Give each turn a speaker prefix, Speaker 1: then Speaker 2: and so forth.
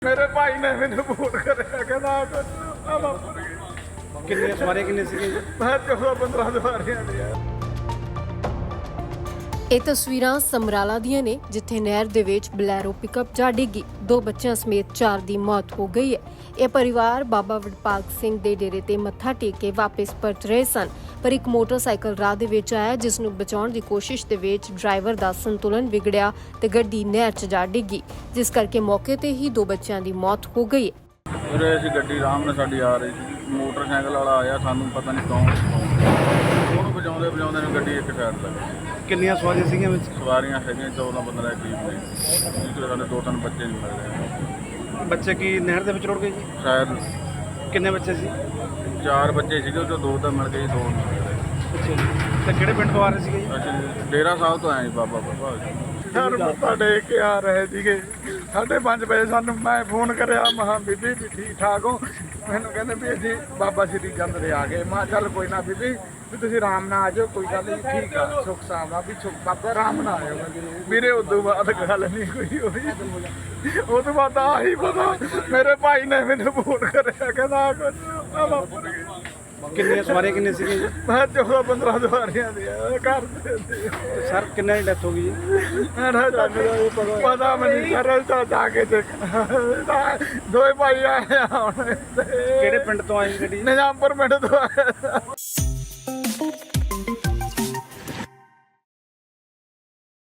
Speaker 1: ਮੇਰੇ ਭਾਈ ਨੇ ਮੈਨੂੰ ਫੋਨ ਕਰਿਆ ਕਹਿੰਦਾ ਆ ਵਾਪਰ ਗਏ।
Speaker 2: ਕਿੰਨੀਆਂ ਸਵਾਰੀਆਂ ਕਿੰਨੇ ਸੀਗੇ ਜੀ?
Speaker 1: ਮੈਂ 14-15 ਸਵਾਰੀਆਂ ਨੇ ਯਾਰ।
Speaker 3: ਇਹ ਤਸਵੀਰਾਂ ਸਮਰਾਲਾ ਦੀਆਂ ਨੇ ਜਿੱਥੇ ਨਹਿਰ ਦੇ ਵਿੱਚ ਬਲੈਰੋ ਪਿਕਅਪ ਜਾ ਡਿੱਗੀ। 2 ਬੱਚਿਆਂ ਸਮੇਤ 4 ਦੀ ਮੌਤ ਹੋ ਗਈ ਹੈ। ਇਹ ਪਰਿਵਾਰ ਬਾਬਾ ਵਡਭਾਗ ਸਿੰਘ ਦੇ ਡੇਰੇ ਤੇ ਮੱਥਾ ਟੇਕ ਕੇ ਵਾਪਸ ਪਰਤ ਰਹੇ ਸਨ, ਪਰ ਇੱਕ ਮੋਟਰਸਾਈਕਲ ਰਾਹ ਦੇ ਵਿੱਚ ਆਇਆ ਜਿਸ ਨੂੰ ਬਚਾਉਣ ਦੀ ਕੋਸ਼ਿਸ਼ ਦੇ ਵਿੱਚ ਡਰਾਈਵਰ ਦਾ ਸੰਤੁਲਨ ਵਿਗੜਿਆ ਤੇ ਗੱਡੀ ਨਹਿਰ 'ਚ ਜਾ ਡਿੱਗੀ, ਜਿਸ ਕਰਕੇ ਮੌਕੇ ਤੇ ਹੀ 2 ਬੱਚਿਆਂ ਦੀ ਮੌਤ ਹੋ ਗਈ ਹੈ।
Speaker 1: ਉਰੇ ਅਸੀਂ ਗੱਡੀ ਆਰਾਮ ਨਾਲ ਸਾਡੀ ਆ ਰਹੀ ਸੀ, ਮੋਟਰਸਾਈਕਲ ਵਾਲਾ ਆਇਆ, ਸਾਨੂੰ ਪਤਾ ਨਹੀਂ ਕੌਣ, ਉਹਨੂੰ ਵਜਾਉਂਦੇ ਨੂੰ ਗੱਡੀ ਇੱਕ ਸਾਈਡ ਲੱਗ ਗਈ।
Speaker 2: ਕਿੰਨੀਆਂ ਸਵਾਰੀਆਂ ਸੀਗੀਆਂ ਵਿੱਚ?
Speaker 1: ਸਵਾਰੀਆਂ ਹੈਗੀਆਂ 14-15 ਦੇ ਕਰੀਬ ਨੇ, ਜਿਸ ਸਾਡੇ 2-3 ਬੱਚੇ ਨਹੀਂ ਮਿਲ ਰਹੇ
Speaker 2: ਬੱਚੇ ਕੀ ਨਹਿਰ ਦੇ ਵਿੱਚ ਰੁੜ ਗਏ ਜੀ?
Speaker 1: ਸ਼ਾਇਦ
Speaker 2: ਕਿੰਨੇ ਬੱਚੇ ਸੀ?
Speaker 1: 4 ਬੱਚੇ ਸੀਗੇ, ਉਹ 'ਚੋਂ 2 ਤਾਂ ਮਿਲ ਗਏ, 2 ਨਹੀਂ ਮਿਲ ਰਹੇ।
Speaker 2: ਅੱਛਾ ਜੀ। ਤੇ ਕਿਹੜੇ ਪਿੰਡ ਤੋਂ ਆ ਰਹੇ ਸੀਗੇ ਜੀ?
Speaker 1: ਅਸੀਂ ਡੇਰਾ ਸਾਹਿਬ ਤੋਂ ਆਏ ਜੀ, ਬਾਬਾ ਵਡਭਾਗ ਸਿੰਘ। ਯਾਰ ਮੱਥਾ ਟੇਕ ਕੇ ਆ ਰਹੇ ਸੀਗੇ, 5:30 ਵਜੇ ਸਾਨੂੰ ਮੈਂ ਫੋਨ ਕਰਿਆ, ਮਹਾਂ ਬੀਬੀ ਵੀ ਠੀਕ ਠਾਕ ਹੋ? ਮੈਨੂੰ ਕਹਿੰਦੇ ਵੀ ਅਸੀਂ ਬਾਬਾ ਸ਼੍ਰੀ ਚੰਦ ਦੇ ਆ ਗਏ। ਮੈਂ ਚੱਲ ਕੋਈ ਨਾ ਬੀਬੀ, ਵੀ ਤੁਸੀਂ ਆਰਾਮ ਨਾਲ ਆ ਜਾਓ, ਕੋਈ ਗੱਲ ਨਹੀਂ, ਠੀਕ ਆ, ਸੁੱਖ ਸਾਵਾ ਵੀ ਸੁੱਖ ਬਾਬਾ ਆਰਾਮ ਨਾਲ ਆਇਓ ਵੀਰੇ। ਉਦੋਂ ਬਾਅਦ ਗੱਲ ਨਹੀਂ ਕੋਈ ਹੋਈ। ਉਹ ਤੋਂ ਬਾਅਦ ਆਹੀ ਪਤਾ ਮੇਰੇ ਭਾਈ ਨੇ ਮੈਨੂੰ ਫੋਨ ਕਰਿਆ, ਕਹਿੰਦਾ ਆ ਵਾਪਰ ਗਏ।
Speaker 2: ਕਿੰਨੀਆਂ ਸਵਾਰੀਆਂ ਕਿੰਨੇ ਸੀਗੇ ਜੀ?
Speaker 1: ਮੈਂ 14-15 ਸਵਾਰੀਆਂ ਦੇ ਘਰ ਦੇ ਸੀ।
Speaker 2: ਸਰ ਕਿੰਨਾਂ ਦੀ ਡੈਥ ਹੋ ਗਈ ਜੀ?
Speaker 1: ਪਤਾ ਮੈਨੂੰ ਸਰਲ ਤਾਂ ਜਾ ਕੇ ਦੇਖ, 2 ਭਾਈ ਆਏ ਹੁਣ।
Speaker 2: ਕਿਹੜੇ ਪਿੰਡ ਤੋਂ ਆਈ ਗੱਡੀ?
Speaker 1: ਨਿਜ਼ਾਮਪੁਰ ਪਿੰਡ ਤੋਂ ਆਏ।